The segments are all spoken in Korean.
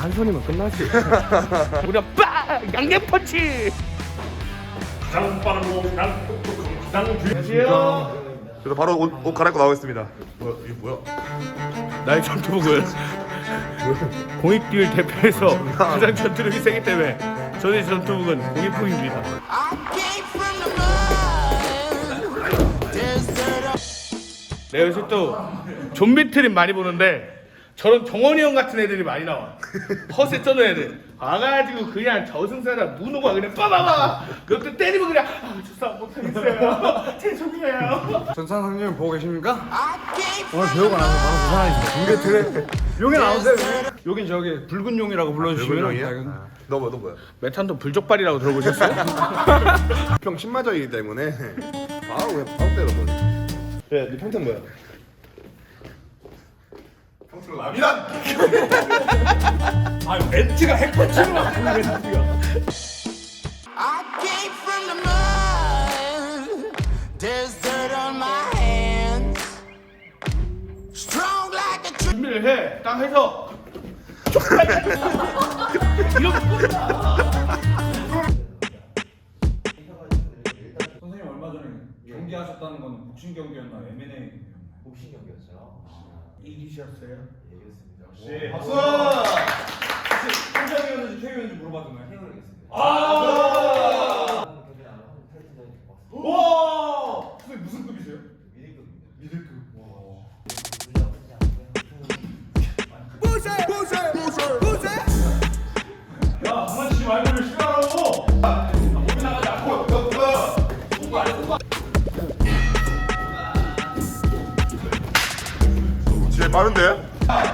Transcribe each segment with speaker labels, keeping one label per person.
Speaker 1: 한 손이면 끝나지. 우리가 빡! 양갱 펀치!
Speaker 2: 가장 빠르고 가장 똑똑하고 가장
Speaker 1: 안녕하세요.
Speaker 3: 그래서 바로 옷 갈아입고 나오겠습니다. 뭐야 이게 뭐야?
Speaker 1: 나의 전투복은 공익듀얼 대표에서 가장 전투력이 세기 때문에 저의 전투복은 공익품입니다. 내가 요새 또 좀비 트림 많이 보는데 저런 정원이 형 같은 애들이 많이 나와. 허세 떠는 애들 와가지고 그냥 저승사자 문호가 그냥 빠바바 그것도 때리면 그냥 저 싸움 못하겠어요. 죄송해요.
Speaker 4: 전산상님 보고 계십니까? 오늘 배우가 나서 바로 부산하겠습니다. 중계 트랙 용이 나오세요. 여긴 저기 붉은 용이라고 불러주시면
Speaker 3: 불금용이야? 너 뭐야?
Speaker 1: 메탄도 불족발이라고 들어보셨어요?
Speaker 3: 평 신마저이기 때문에 바로 때려버려. 그래, 네 평택 뭐야? 평택 라미란.
Speaker 2: 아 멘트가 핵펀치로 막 멘트가
Speaker 5: I came from the mud. There's dirt on my hands. Strong like a tree.
Speaker 1: 준비를 해. 딱 해서 이렇게
Speaker 4: 선생님 얼마 전에 경기하셨다는 건 복싱 경기였나 M&A
Speaker 6: 복싱 경기였죠.
Speaker 1: 이기셨어요?
Speaker 6: 얘기했습니다.
Speaker 4: 네, 박수! 혹시 한정이었는지 최유였는지 물어봤잖아요.
Speaker 6: 해보겠습니다.
Speaker 4: 아!
Speaker 6: 경기 나면 타이틀전이 박수.
Speaker 4: 와! 선생님 무슨 급이세요?
Speaker 6: 미리급입니다.
Speaker 4: 미들급. 와. 야, 장난치지 말고 왜 싫어하라고!
Speaker 3: 진짜 빠른데?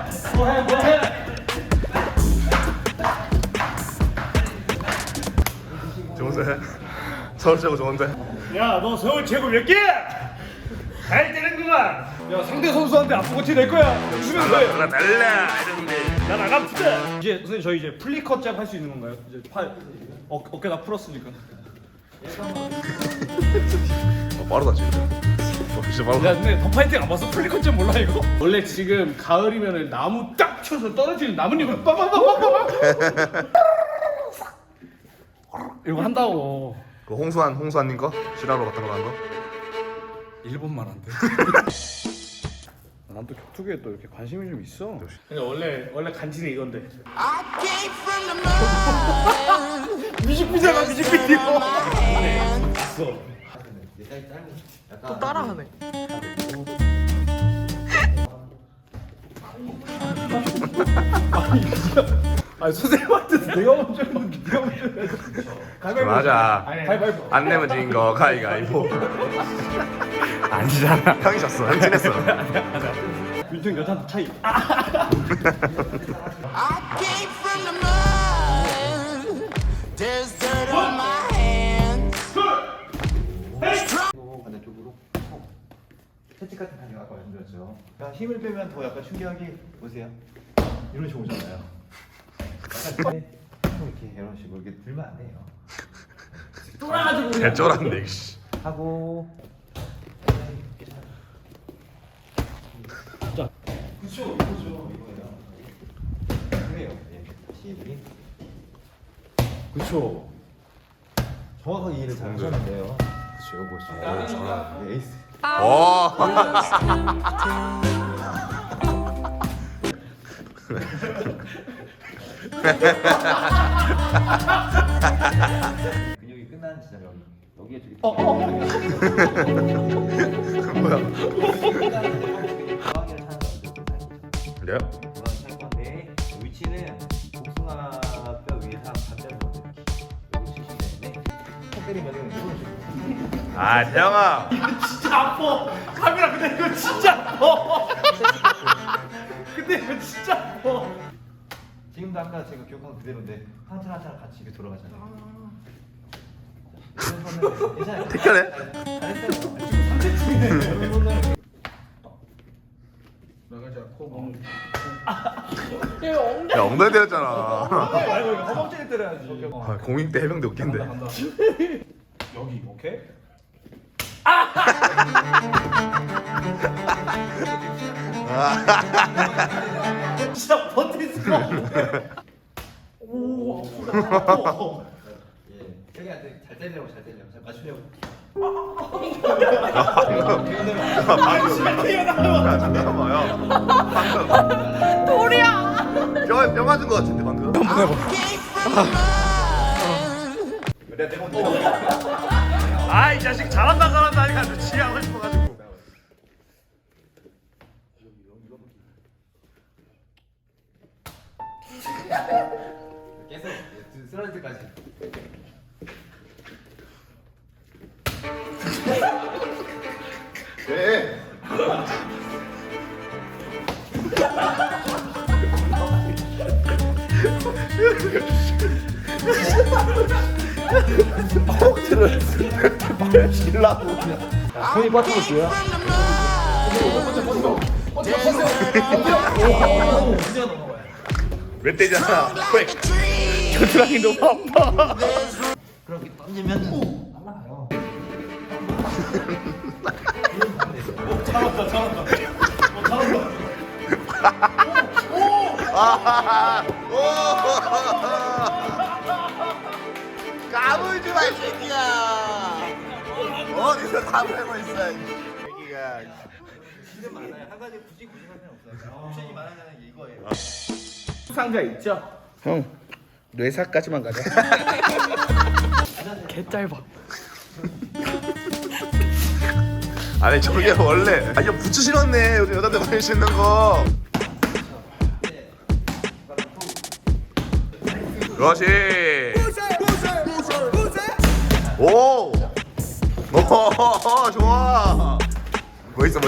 Speaker 3: 좋은데? 서울 최고 좋은데?
Speaker 2: 야 너 서울 최고 몇 개? 잘 되는구만.
Speaker 4: 야, 상대 선수한테 아프고 티 낼 거야. 주면 돼.
Speaker 3: 달라 이러는데.
Speaker 2: 나 나갑시다.
Speaker 4: 이제 선생님 저희 이제 플리컷 짭 할 수 있는 건가요? 이제 팔 어깨 다 풀었으니까.
Speaker 3: 빠르다 진짜. 진짜 빠르다.
Speaker 4: 야, 근데 더 파이팅 안 봤어? 플리컷 짭 몰라 이거?
Speaker 1: 원래 지금 가을이면 나무 딱 쳐서 떨어지는 나뭇잎을 빠바바바바바 이거 한다고.
Speaker 3: 그 홍수환님 거? 시라로 같은 거 한 거?
Speaker 4: 일본만 안 돼. 난 또 격투기에 또 이렇게 관심이 좀 있어.
Speaker 1: 근데 원래 간지는 이건데.
Speaker 5: I came from the mud.
Speaker 4: 뮤직비디오가 뮤직비디오.
Speaker 6: 또 따라하네.
Speaker 4: 아니 선생님한테 내가 먼저 했는데 네가 먼저 했어. 가위바위보.
Speaker 3: 맞아.
Speaker 4: 가위바위보.
Speaker 3: 안 내면 진 거 가위가위보. 아니잖아. 형이 졌어. 형이 친했어.
Speaker 4: 윤통 여자한테 차이.
Speaker 5: I came from the mud. There's dirt on my hands.
Speaker 6: 반대쪽으로 채찍 같은 단계가 아까 말씀드렸죠. 그러니까 힘을 빼면 더 약간 충격이 보세요. 이런 식으로 오잖아요. 약간 이렇게 이런 식으로 이렇게 들면 안 돼요.
Speaker 3: 개쩔었네. 씨.
Speaker 6: 하고 그쵸 이거죠 이거예요. 그래요. 예. 12. 그쵸. 정확하게 이해를 잘 하셨는데요. 그쵸 요거 정확. 에이스.
Speaker 3: 오.
Speaker 6: 근육이 끝나는 지점 여기에 저기.
Speaker 3: 뭐야?
Speaker 6: 중앙에 사는
Speaker 3: 그래요?
Speaker 6: 중앙에 건데 위치는 복숭아뼈 위에서 반대로 여기 치시면 되는데 턱 때리면 이런 식으로.
Speaker 3: 아 태영아.
Speaker 2: 진짜 아파. 카메라 근데 이거 진짜 아파. 근데 이거 진짜 아파.
Speaker 6: 지금도 아까 제가 기억한 그대로인데 한참 같이 이렇게 돌아가잖아요. 괜찮아요.
Speaker 3: 택견해?
Speaker 6: 잘했어요.
Speaker 1: 나가지 않고
Speaker 3: 야 엉덩이 때렸잖아.
Speaker 4: 말고 이거 허벅지를 때려야지.
Speaker 3: 아, 공익대 해병대 웃긴데.
Speaker 4: 여기 오케이.
Speaker 2: 진짜 버틸 수가 없네.
Speaker 6: 형이한테 잘 때리려고 잘 맞추려고.
Speaker 3: 잠깐만요.
Speaker 7: 돌이야.
Speaker 3: 뼈 맞은 것 같은데 방금.
Speaker 2: 아이 자식 잘한다 하니까 눈치 하고 싶어가지고.
Speaker 6: 계속 쓰러질 때까지.
Speaker 3: 네.
Speaker 4: 손이 빠트려 줘야.
Speaker 3: 몇 대잖아. 백.
Speaker 1: 겨드랑이 너무 아파.
Speaker 6: 그렇게 던지면
Speaker 3: 까불지 마, 이 새끼야. 어디서 까불고 있어, 이 새끼가.
Speaker 6: 옵션이 많아요. 한 가지 굳이 고집할 필요 없어요. 옵션이 많아지는 게 이거예요.
Speaker 1: 상자 있죠? 형 뇌사까지만 가자.
Speaker 7: 개 짧아.
Speaker 3: 아니 저게 원래 이거 부츠 신었네. 요즘 여자들 많이 신는 거. 그렇지. 오. 오, 좋아. 멋있어.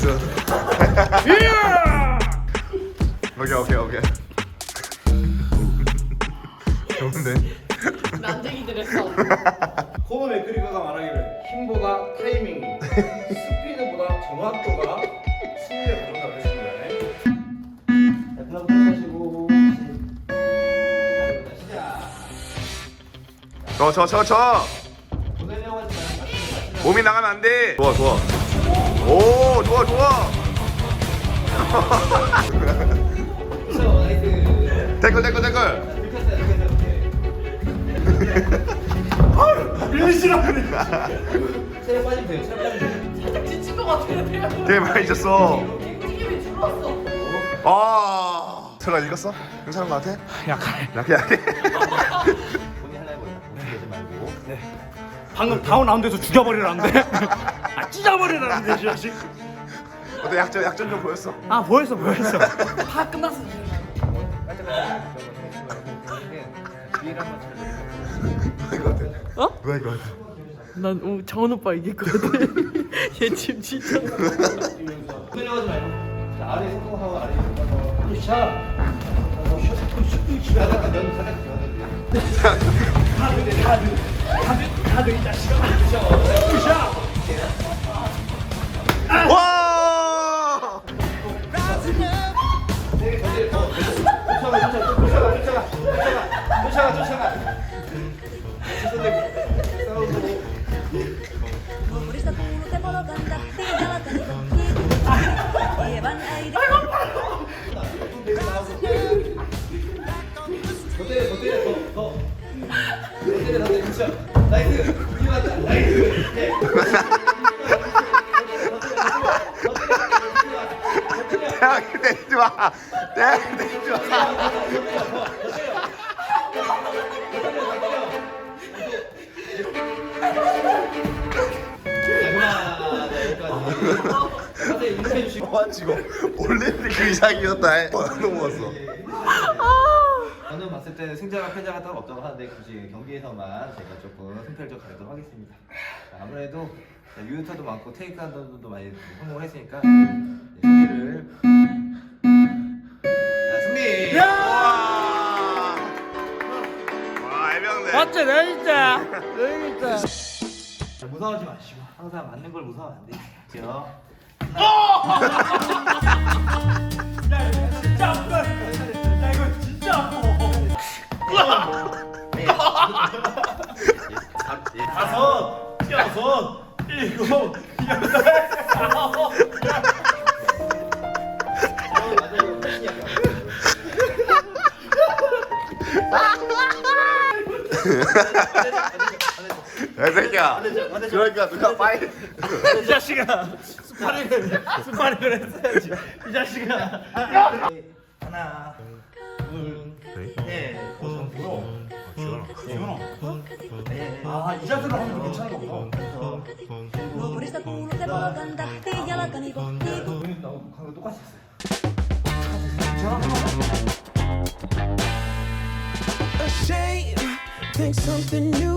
Speaker 3: 오케이. 좋은데.
Speaker 7: 난쟁이들의 싸움.
Speaker 2: 코너 맥그리거가 말하기를 힘보다 타이밍이, 스피드보다 정확도가 승리에 가져온다고 했습니다.
Speaker 6: 그럼 하시고 시작.
Speaker 3: 저.
Speaker 6: 보내려고 하지 말고
Speaker 3: 몸이 나가면 안 돼. 좋아. 오, 좋아.
Speaker 6: 나이스.
Speaker 3: 댓글.
Speaker 6: 체력 빠지면 돼요. 체력 빠지면 돼요.
Speaker 7: 살짝 지친 것 같아요.
Speaker 3: 되게 많이 잊었어.
Speaker 7: 움직임이 줄었어.
Speaker 3: 아, 설아 읽었어? 괜찮은 것 같아? 약해.
Speaker 6: 본인 하려고 움직이지 말고.
Speaker 2: 방금 다운 라운드에서 죽여버리라는데? 아 찢어버리라는데 이 자식.
Speaker 3: 어때 약점 좀 보였어?
Speaker 2: 아 보였어.
Speaker 7: 다 끝났어 지금.
Speaker 6: 뒤를 한번 잘
Speaker 3: 누가 이거 같아?
Speaker 7: 어?
Speaker 3: 누가 이거 같아?
Speaker 7: 난 정원 오빠 이길 것 같아. 얘 지금 진짜.
Speaker 6: 보내려고 하지 말고. 자, 아래 성공하고 아래 성공하고.
Speaker 2: 샷.
Speaker 6: 가닥 면
Speaker 2: 다들 이 자식아.
Speaker 3: 와!
Speaker 6: 쫓아가.
Speaker 8: Humorista puro te puedo cantar, te contigo. Llevan aire.
Speaker 6: 더 때려. 그렇죠. 나이스. 이거 맞다. 나이스.
Speaker 3: 대학 때리지 마. 와지고 올림픽 그 이상이었다. 넘어갔어.
Speaker 6: 저는 봤을 때는 승자가 패자가 따로 없다고 하는데 굳이 경기에서만 제가 조금 승패를 좀 가리도록 하겠습니다. 자, 아무래도 유효타도 많고 테이크다운도 많이 성공했으니까 승리를 승리!
Speaker 3: 와, 해병대.
Speaker 7: 맞지 내 진짜.
Speaker 6: 무서워하지 마시고 항상 맞는 걸 무서워하면 안 되죠.
Speaker 2: 진짜 아프다. 야 이거 진짜 아파. 다섯, 여섯, 일곱, 여덟, 아홉.
Speaker 3: 야 새끼야. 그러니까 누가 빨리.
Speaker 2: 이 자식아 스파링을 했어야지 이 자식아. 하나 둘셋 아이 자세로 하면 괜찮은 거구나.
Speaker 8: Nuorista kuuluu se polkan tahti, jalkani kohti.
Speaker 2: 우리 나하고 거 똑같이 했어요.
Speaker 5: Ashamed, think something new